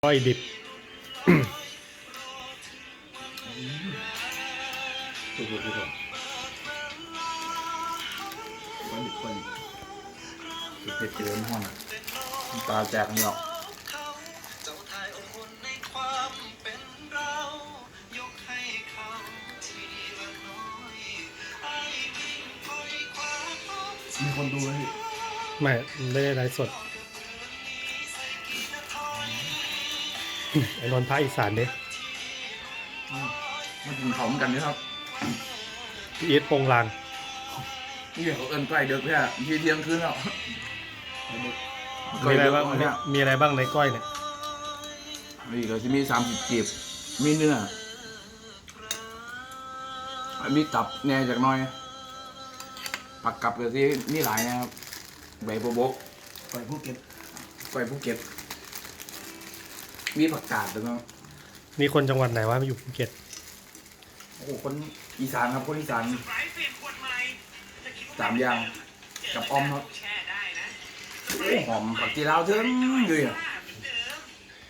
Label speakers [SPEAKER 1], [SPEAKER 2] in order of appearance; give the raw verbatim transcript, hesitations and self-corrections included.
[SPEAKER 1] ก้อยดิบ
[SPEAKER 2] ถูกถูกถูกก้อยดิบก้อยดิบเผ็ดเกินห้องตาแจกกันหรอกมีคนดูไหมพี่
[SPEAKER 1] ไม่ไม่ได้ไลฟ์สดไอ้นนท์ภาคอีสานเด้
[SPEAKER 2] มาถึงเขาเหมือนกันนะครับ
[SPEAKER 1] พี่อีทโปงลาง
[SPEAKER 2] นี่เขาเอินก้อยเด็กเนี่ยทีเที่ยงคืนแล้ว
[SPEAKER 1] มีอะไรบ้างมีอะไรบ้างในก้อยเนี่ย
[SPEAKER 2] นี่ก็จะมีสามสิบกีบมีเนื้อมีตับแน่จากน้อยผักกับก็ที่มีหลายนะครับใบโบโบกก้อยภูเก็ตก้อยภูเก็ตมีผักกาดด้วยมั้ง
[SPEAKER 1] นี่คนจังหวัดไหนวะมาอยู่ภูเก็ต
[SPEAKER 2] โอ้โหคนอีสานครับคนอีสานสามอย่างกับออมครับหอมผักจีราวเทิงอยู่อ่ะ